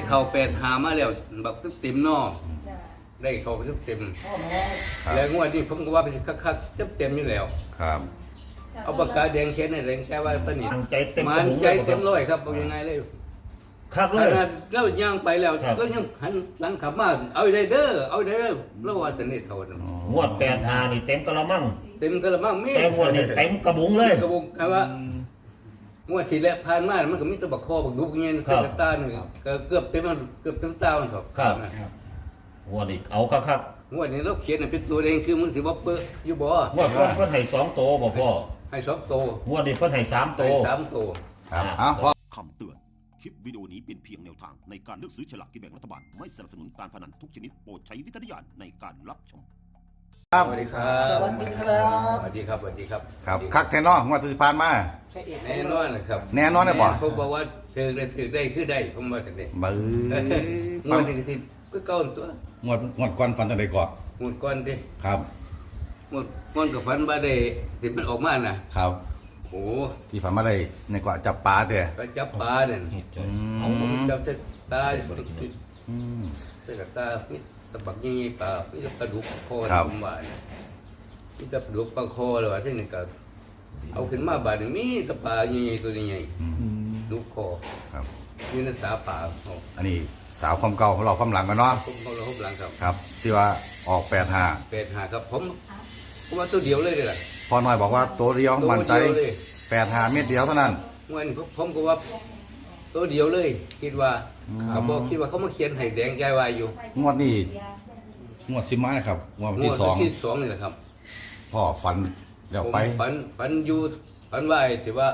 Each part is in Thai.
เข้า85มาแล้วบักตึกเต็มนอได้เข้าไปตึกเต็มแล้วงวดนี้ผมก็ว่าเป็นคักๆเต็มอยู่แล้วครับเอาปากกาแดงเขียนให้แดงแค่ว่าเพิ่นนี่มันใจเต็มมันใจเต็มร้อยครับเอายังไงเลยครับเลขยนาดเราย่างไปแล้วก็ยังหันหลังขับมาเอาได้เด้อเอาได้เด้อแล้วว่าสนิทเท่านั้นงวด85นี่เต็มกะละมังเต็มกระมังมีแต่งวดนี่เต็มกระบุงเลยกระบุงคำว่างวดที่แล้วผ่านมามันก็มีแตะบักคอบักดุกเงี้ยเป็นตาหนึ่งก็เกือบเต็มตามันครับงวดนี่เอาครับงวดนี้เราเขียนเป็นตัวเองคือมึงถือว่าเปื้ออยู่บ่งวดก่อนเพิ่นให้2โตบ่พ่อให้2 ตัวงวดนี้เพิ่นให้3โตให้3 ตัวครับเอาพ่อคำเตือน คลิปวิดีโอนี้เป็นเพียงแนวทางในการเลือกซื้อฉลากกินแบ่งรัฐบาล ไม่สนับสนุนการพนันทุกชนิดโปรดใช้วิจารณญาณในการรับชมสวัสดีครับสวัสดีครับสวัสดีครับสวัสดีครับครับคักแท้นองวดที่ผ่านมาแน่นอนนะครับแน่นอนเลยบ่เขาบอกว่าถือได้คือได้ผมว่าจังได๋บื้งวดนี้ก็สิคือเก่าตัวงวดก่อนฟันตั้งแต่ก่อนงวดก่อนดิครับงวดกับฝันว่าได้สิมันออกมาน่ะครับโอ้ที่ฝันมาได้ในเกาะจับปลาเด้อก็จับปลาเนี่ยอืมจับตาอืมเส้นตามีตะบักยี่ปลามีกระดูกคอครับผมว่าเนี่ยมีกระดูกปลาคอเลยว่าเส้นนี้ก็เอาขึ้นมาบาดนี้มีตะปลายี่ตัวนี้ใหญ่ดูคอครับมีนักษาป่าเขาอันนี้สาวความเก่าของเราความหลังกันเนาะผมเขาเราหลังครับครับ ที่ว่าออก85 เป็ดหาครับผมว่าตัวเดียวเลยล่ะพอน้อยบอกว่าตัวเดียวมั่นใจตัวเดียวเลย 85 เม็ดเดียวเท่านั้นเงินผมก็ว่าตัวเดียวเลย คิดว่าเขาบอกคิดว่าเขามาเขียนให้แดงใจวายอยู่งวดนี้งวดสิมานะครับงวดวันที่งวดที่2นี่แหละครับ 2พ่อฝันเดี๋ยวผมไปฝันอยู่ฝันว่าถือว่า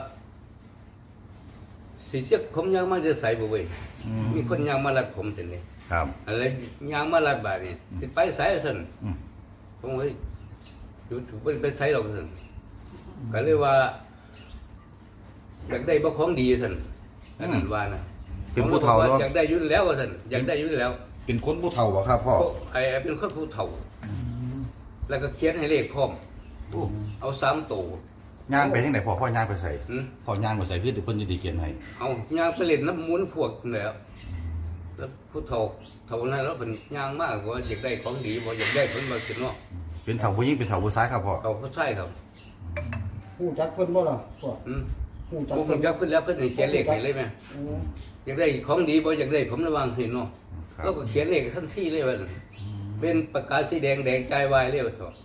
สิจะผมยังมาจะใส่บ่เว้ยมีคนยังมาลัดผมเห็นนี่ครับอะไรยังมาลัดบาดนี่สิไปใส่ซั่นอืมผมเฮ้ยอยู่ถูกไปใส่ดอกซั่นก็เลยว่าอยากได้บ่ของดีซั่นอันนั้นว่านะเป็นผู้เฒ่าผมก็เนาะบอกอยากได้อยู่แล้วว่าซั่นอยากได้อยู่แล้วเป็นคนผู้เฒ่าบ่ครับพ่อไอ้เป็นคนผู้เฒ่าแล้วก็เขียนให้เลขพร้อมเอา3ตัวย่างไปที่ไหนพ่อย่างไปใส่หืมพ่อย่างไปใส่คือเดี๋ยวเพิ่นจะได้เขียนให้เอายางไปเล่นน้ำมูลพวกนั่นแหล้วแล้วผู้เฒ่านั้นแล้วเป็นยางมากว่าอยากได้ของดีบ่อยากได้ผลมาสิเนาะเป็นเฒ่าผู้หญิงเป็นเฒ่าผู้ชายครับพ่อเขาผู้ชายครับผู้จักเพิ่นบ่ล่ะพ่ออืมผู้จักผมเพิ่นจับขึ้นแล้วเพิ่นให้เขียนเลขให้เลยไหมอืมอยากได้ของดีบ่อยากได้ผมระวังให้เนาะครับแล้วก็เขียนเลขทันทีเลยว่าเป็นปากกาสีแดงแดงใจวายเลยว่าต่อ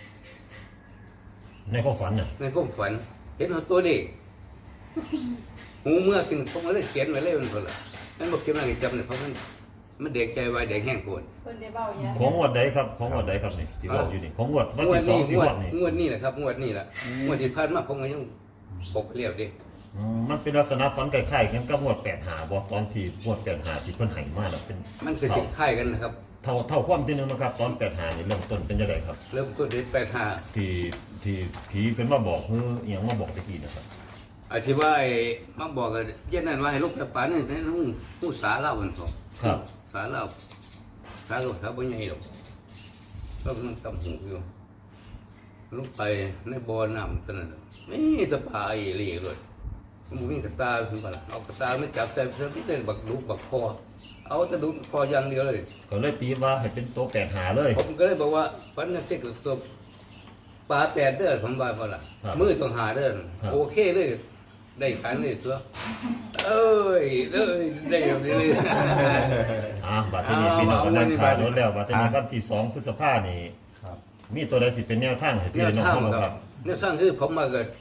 ในความฝันน่ะในความฝันเห็นเอาตัวเลขหูเมื่อกินผมก็เลยเขียนไว้เลยมันคนละนั่นบอกเขียนมาให้จำเนี่ยเพราะมันแดงใจวายแดงแห้งปวดเพิ่นได้เบ้าหยังของงวดใดครับของงวดใดครับนี่ที่บอกอยู่นี่ของงวดวันงวดที่นี้ 2ที่งวบดอกนี่งวดนี้แหละครับงวดนี้แหละงวดที่ผ่านมาผมก็ยังปกเรียบดิมันเป็นลักษณะฝันคล้ายๆกันกับงวด85บ่ตอนที่งวด85ที่เพิ่นให้มาน่ะเป็นมันคือสิค่ายกันนะครับเท่าความที่นึงนะครับตอน85นี่เริ่มต้นเป็นจังไดครับเริ่มต้นด้วย85 ที่ผีเพิ่นมาบอกคืออหยังมาบอกตะกี้นะครับอาชีว่าไอ้มาบอกกันเย็นนั้นว่าให้ลูกกระป๋านี่ให้หูสาเล่ากันพอครับสาเล่าสาลูกสาบ่ใหญ่หรอกก็มันกำหูอยู่ลูกไปในบ่อน้ำตอนนั้นไม่ตะปาอีหลีเลยมันมีกระตาขึ้นมาเอากระตาไม่จับแต่พี่เต้นบักลูกบักคอเอาแต่ลูกคออย่างเดียวเลยก็เลยตีว่าให้เป็นโตะ85เลยผมก็เลยบอกว่าฟันนั่นเช็คตัวปลาแตดเด้อผมว่าพอละมือต้องหาเด้อโอเคเลยได้ขันเลยตัวเอ้ยได้แบบนี้เลยบัดนี้พี่น้องก็นั่งถ่ายรถแล้วบัดนี้วันที่2พฤษภาคมนี่มีตัวใดสิเป็นแนวทางให้พี่เนี่ยน้องช่างเฮาบ่คครัรับบ เนี่ยช่างคือผมมาเกิด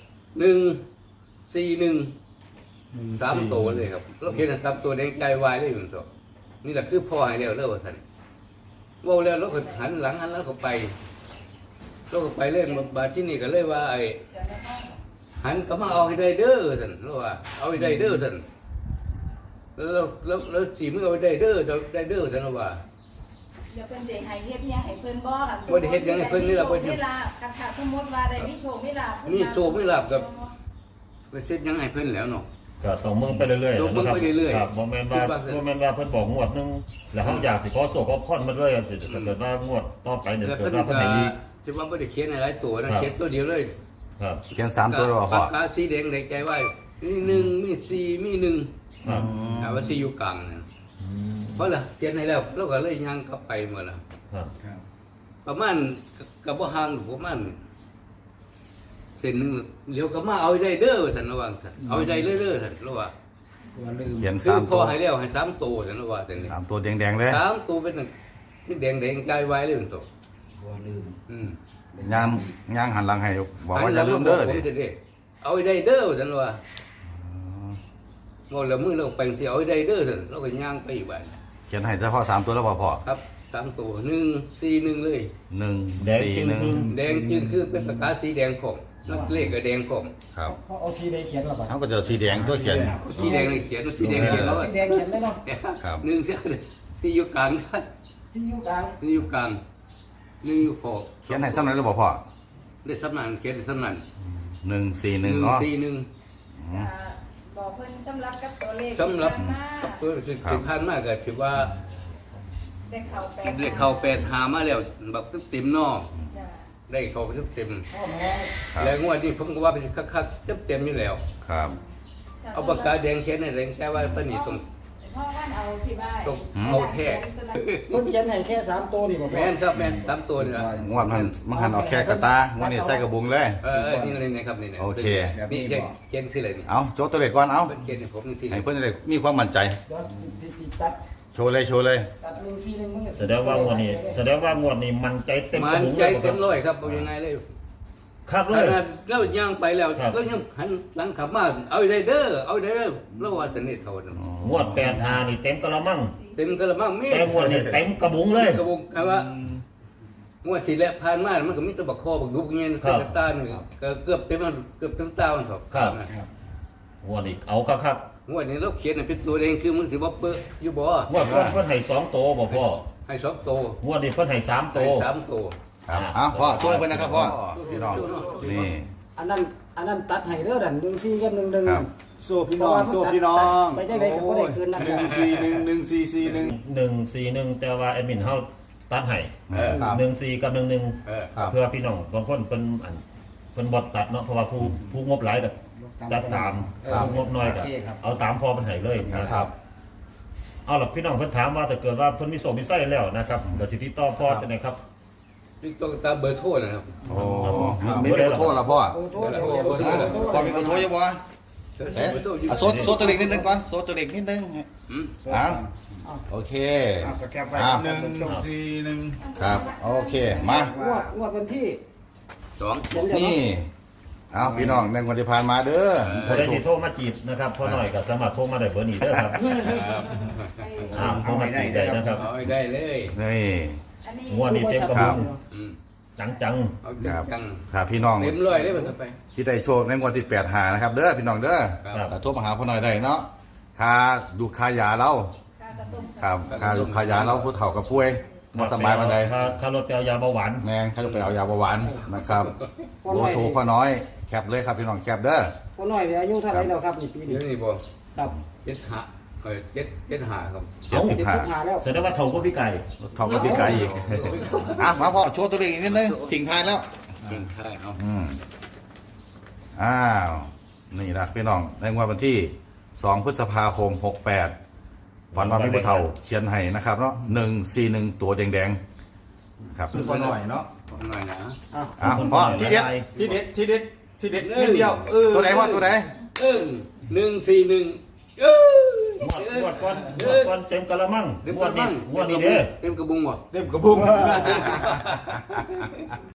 141 3ตัวเลยครับเราเขียน3ตัวแดงใจวายเลยมันตัวนี่แหละคือพ่อให้แล้วเลิกว่าท่านว่าแล้วเราก็หันหลังหันแล้วก็ไปเราก็ไปเล่นบาที่นี่ก็เลยว่าไอ้หันก็มาเอาให้ได้เด้อท่านเราว่าเอาให้ได้เด้อท่านแล้วสีมือเอาให้ได้เด้อได้เด้อท่านเราว่าเดี๋ยวเพิ่นสิให้เฮ็ดหยังให้เพิ่นบ่ล่ะบ่ได้เฮ็ดหยังให้เพิ่นนี่ล่ะบ่ใช่เวลากันถ้าสมมุติว่าได้มีโชคมีลาภเพิ่นมีโชคมีลาภกับ ไปเช็ดยังให้เพิ่นแล้วเนาะก็ต้องเมืองไปเรื่อยๆต้องเบิ่งไปเรื่อยๆครับบ่แม่นว่าบ่แม่นว่าเพิ่นบอกงวดหนึงแล้วเฮาอยากสิขอโศกขอพรมาเลยจังซี่ถ้าเกิดว่างวดต่อไปเนี่ยแล้วเกิเพิ่ดนว่าเพิ่นก็ให้อีกที่ว่าบ่ได้เขียนให้หลายตัวนะเขียนตัวเดียวเลยครับเขียน3ตัวแล้วบ่พ่อปากกาสีแดงในใจไว้มี1มี4มี1 ครับว่าสีอยู่กลางนะเพราะล่ะเขียนให้แล้วเราก็เลยย่างกลับไปหมดละครับครับประมาณกับว่าห่างประมาณเส้นหนึงเดี๋ยวก็มาเอาได้เด้อท่านระวังท่านเอาได้เด้อท่านระวังตัวลืมเขียนคือสามพตัอวให้แล้วให้3ตัวท่านระวังท่านนี่สามตัวแดงๆเลย 3ตัวเป็นนี่แดงใจไว้เลยมันตัวตัวลืมย่างหันหลังให้บอกว่าอย่าลืมเด้อผมดิจะได้เอาได้เด้อท่านว่าบ่ละมือเราไปสิเอาได้เด้อท่านเราก็ย่างไปอีกบัดเขียนให้เฉพาะสามตัวแล้วพอครับ3ตัว141เลยหนึ่งแดงสี่จึงหนึ่งคือแดงจึงคือเป็นปากกาสีแดงของนักเลขก็แดงของครับเพราะเอาสีแดงเขียนหรอเปล่าเขาก็จะสีแดงตัวเขียนสีแดงเลยเขียนสีแดงเขียนแล้วสีแดงเขียนได้เนาะครับหนึ่งเสียที่อยู่กลางสีอยู่กลางที่อยู่กลางหนึ่งอยู่ขอบเขียนให้ซ้ำไหนแล้วบอกพ่อได้สำนักเขียนได้สำนักหนึ่งสี่หนึ่งเนาะ 141 บอกเพิ่นสำหรับกับตัวเลขสำหรับที่ผ่านมากับตัวสิบพันมากก็ถือว่าได้เข้าแปดเลขเข้า8หามาแล้วแบบเต็มๆเนอจ้ะได้เข้าไปเต็มพ่อน้อยครับแล้วงวดนี้ผมก็ว่าไปคักๆเต็มอยู่แล้วครับเอาปากกาแดงเขียนให้แดงแค่ว่าเพิ่นนี่ต้องพ่อว่านเอาที่บ้านต้องเอาแท้เพิ่นเขียนให้แค่3ตัวนี่บ่พอแม่นครับแม่น3ตัวนี่ล่ะงวดมันหันออกแค่กระตางวดนี้ใส่กระบุงเลยนี่ครับนี่โอเคนี่เขียนคืออะไรนี่เอาโชว์ตัวเลขก่อนเอาเพิ่นเขียนให้ผมนี่ให้เพื่อนได้มีความมั่นใจเดี๋ยวสิตัดโชว์เลยโชว์เลยตัด141มันก็แสดงว่างวดนี้มันใจเต็มมักระนบุงใจเลยเต็มร้อยครับเอายังไงเลยครับขเลยนาดเราย่างไปแล้วครับก็ยังหันหลังขับมาเอาได้เด้อเอาได้เด้อแล้วว่าสนิทเท่านั้นงวด85นี่เต็มกระมังเต็มกระมังมีแต่งวดนี้เต็มกระบุงเลยกระบุงคำว่างวดที่แล้วผ่านมามันก็มีแตะบักคอบักดุกเงี้ยครับกระตาหนึ่งก็เกือบเต็มตามันครับครับ งวดนี้เอาครับงวดนี้เราเขียนให้เป็นตัวเองคือมึงสิบ่เปิ้อยู่บ่งวดก่อนเพิ่นให้2ตัวบ่พ่อให้2ตัวงวดนี้เพิ่นให้3 ให้ตัว 3ตัวครับเอาพ่อช่วยเพื่อนนะครับพ่อพี่น้องนี่อันนั้นตัดให้เด้อดัน14กับ11 ครับสู้พี่น้องสู้พี่น้องไปจังไดก็บ่ได้คืนนะ 141 แต่ว่าแอดมินเฮาตัดให้เออครับ 14กับ11 เออครับเพื่อพี่น้องบางคนเพิ่นบ่ตัดเนาะเพราะว่าผู้งบหลายก็ตัดตามครับผู้งบน้อยก็โอเคครับเอาตามพอเพิ่นให้เลยนะคครัรับบ เอาล่ะพี่น้องเพิ่นถามว่าถ้าเกิดว่าเพิ่นมีโสมีไส้แล้วนะครับเดี๋ยวสิติดต่อพ่อจังได๋ครับนี่ต้องตามเบอร์โทรนะครับโอ้มีเบอร์โทรแล้วพ่อโอ้โหเดี๋ยวเขียนพ่อมีเบอร์โทรยังบ่เบอร์โทรอยู่โซตัวเล็กนิดนึงก่อนโซตัวเล็กนิดนึงอืมอ่ะโอเคสแกปไปอ่ะ 141 ครับโอเคมางวดวันที่ 2 เขียนเดี๋ยวนี่เนาะเอาพี่น้องในวันที่ผ่านมาเด้อผู้ใดที่โทรมาจีบนะครับพ่อหน่อยก็สามารถโทรมาได้เบอร์นี้เด้อครับครับโทรมาจีบได้นะครับเอาให้ได้เลยนี่อันนี้งวดนี้เต็มกระครับุบงอืมจังเอาครับจังถ้าพี่น้องเต็มร้อยเลยมันไปที่ได้โชคในงวดที่8หานะครับเด้อพี่น้องเด้อครับแต่โทรมาหาพ่อหน่อยได้เนาะค่าดูค่ายาเราค่ากระตุ้มครับค่าดูค่ายาเราผู้เฒ่ากับป่วยๆบ่สบายปานใดค่ารถไปเอายาเบาหวานแม่งเขาจะไปเอายาเบาหวานนะครับโลโทรพ่อน้อยแคปเลยครับพี่น้องแคปเด้อคนน้อยเนี่ยอายุเท่าไหร่แล้วครับนี่ปีนี้เดี๋ยวนี้บอกครับ 7575ครับ 75 แล้วแสดงว่าเท่าก็พี่ไก่เท่ากับพี่ไก่อีกอ่ะมาพ่อโชว์ตัวเลขอีกนิดนึงทิ้งท้ายแล้วกินข้าวเอาอ้าวนี่นะพี่น้องในงวดวันที่2พฤษภาคม68ฝันว่ามีผู้เฒ่าเขียนให้นะครับเนาะ141ตัวแดงๆครับพอหน่อยเนาะหน่อยนะอ่ะอ่ะพ่อที่เด็ดที่เด็ดที่เด็ดที่เด็ดนิดเดียวตัวไหนพ่อตัวไหน 141เอองวดก่อนเต็มกะละมังเต็มงกวระดบุนี้งงวดนี้เด้อเต็มกระบุงบ่เต็มกระบุง